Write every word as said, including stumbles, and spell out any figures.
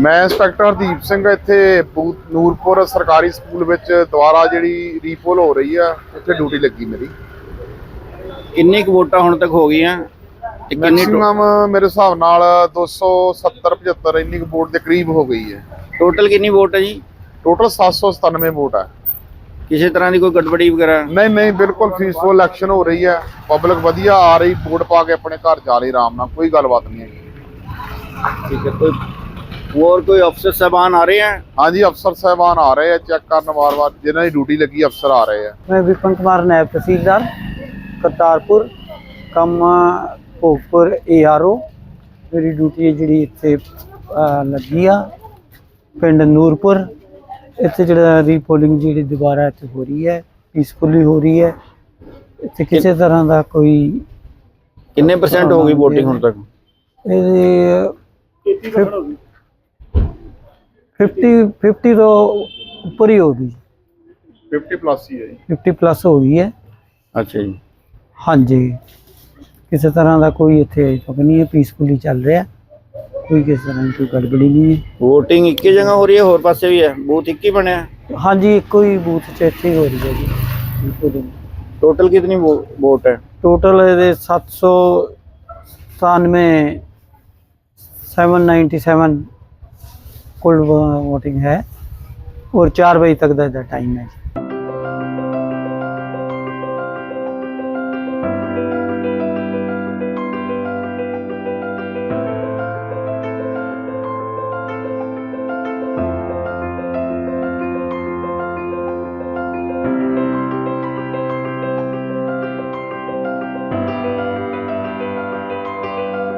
मैं इंस्पैक्टर हरदीप सिंह इत्थे बूथ नूरपुर सरकारी स्कूल विच दुबारा जिहड़ी रीपोल हो रही है उत्थे ड्यूटी लगी मेरी। किन्नी कुछ वोटां हुण तक हो गईयां? मैक्सिमम मेरे हिसाब नाल दो सौ सत्तर पचहत्तर इन्नी वोट के करीब हो गई है। टोटल कितनी वोट है जी? टोटल सात सौ सतानवे वोट है। किसी तरह की कोई गड़बड़ी वगैरह नहीं नहीं, बिल्कुल पीसफुल इलेक्शन हो रही है। पब्लिक वधिया आ रही, वोट पा के अपने घर जा रही आराम नाल, कोई गलबात नहीं है। ठीक है। कोई और कोई अफसर साहबान आ रहे हैं? हाँ जी, अफसर साहबान आ रहे हैं चेक करने बार बार, जिन्होंने ड्यूटी लगी अफसर आ रहे हैं। मैं विपिन कुमार नायब तहसीलदार Kartarpur cum Bhogpur A R O. मेरी ड्यूटी जी इतने लगी आ पिंड नूरपुर। इतने जो रीपोलिंग जी दोबारा इतने हो रही है, पीसफुली हो रही है। इतने किसी तरह का कोई कितने परसेंट हो गई वोटिंग हुण तक? फिफ्टी फिफ्टी तो ऊपर ही होगी। फिफ्टी प्लस ही है जी। फिफ्टी प्लस हो गई है। अच्छा जी। हाँ जी, किसी तरह का कोई इतने अजे तक नहीं है, पीसफुली चल रहा है, कोई किसी तरह की कोई गड़बड़ी नहीं है। वोटिंग एक ही जगह हो रही है, होर पासे भी है? बूथ एक ही बने? हाँ जी, एक ही बूथ च इतने हो रही है जी। टोटल कितनी वो, वोट है? टोटल सत्त सौ सतानवे सेवन नाइन्टी सेवन कुल वोटिंग है और चार बजे तक का टाइम है।